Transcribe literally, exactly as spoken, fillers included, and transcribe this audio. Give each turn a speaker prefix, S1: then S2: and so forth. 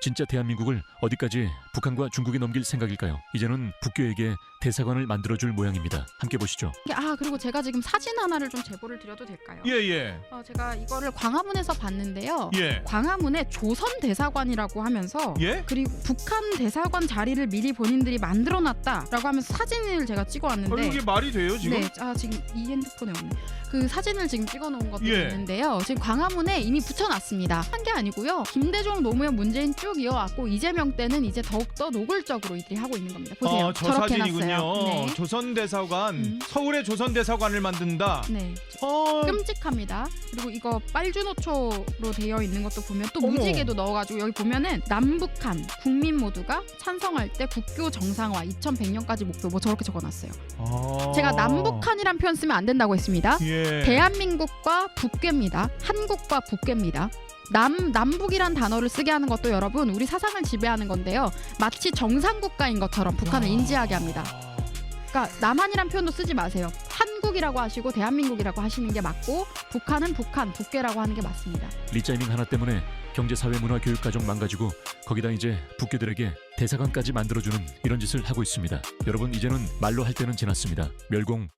S1: 진짜 대한민국을 어디까지 북한과 중국이 넘길 생각일까요? 이제는 북교에게 대사관을 만들어줄 모양입니다. 함께 보시죠.
S2: 아 그리고 제가 지금 사진 하나를 좀 제보를 드려도 될까요?
S3: 예, 예.
S2: 어, 제가 이거를 광화문에서 봤는데요.
S3: 예.
S2: 광화문에 조선 대사관이라고 하면서
S3: 예?
S2: 그리고 북한 대사관 자리를 미리 본인들이 만들어놨다라고 하면서 사진을 제가
S3: 아,
S2: 찍어왔는데
S3: 이게 말이 돼요, 지금?
S2: 네, 아 지금 이 핸드폰에 없네. 그 사진을 지금 찍어놓은 것도
S3: 예.
S2: 있는데요. 지금 광화문에 이미 붙여놨습니다. 한 게 아니고요. 김대중, 노무현, 문재인 쭉 이어왔고 이재명 때는 이제 더욱더 노골적으로 이들이 하고 있는 겁니다. 보세요.
S3: 어, 저
S2: 저렇게
S3: 사진이군요.
S2: 해놨어요. 네.
S3: 조선 대사관,
S2: 음.
S3: 서울의 조선 대사관을 만든다.
S2: 네.
S3: 어,
S2: 끔찍합니다. 그리고 이거 빨주노초로 되어 있는 것도 보면 또
S3: 어머.
S2: 무지개도 넣어가지고 여기 보면은 남북한 국민 모두가 찬성할 때 국교 정상화 이천백 년까지 목표 뭐 저렇게 적어놨어요.
S3: 아.
S2: 제가 남북한이란 표현 쓰면 안 된다고 했습니다.
S3: 예.
S2: 대한민국과 북괴입니다. 한국과 북괴입니다. 남 남북이란 단어를 쓰게 하는 것도 여러분 우리 사상을 지배하는 건데요. 마치 정상국가인 것처럼 북한을
S3: 야.
S2: 인지하게 합니다. 그러니까 남한이란 표현도 쓰지 마세요. 한국이라고 하시고 대한민국이라고 하시는 게 맞고 북한은 북한, 북괴라고 하는 게 맞습니다.
S1: 리짜이밍 하나 때문에 경제, 사회, 문화, 교육, 가정 망가지고 거기다 이제 북교들에게 대사관까지 만들어주는 이런 짓을 하고 있습니다. 여러분 이제는 말로 할 때는 지났습니다. 멸공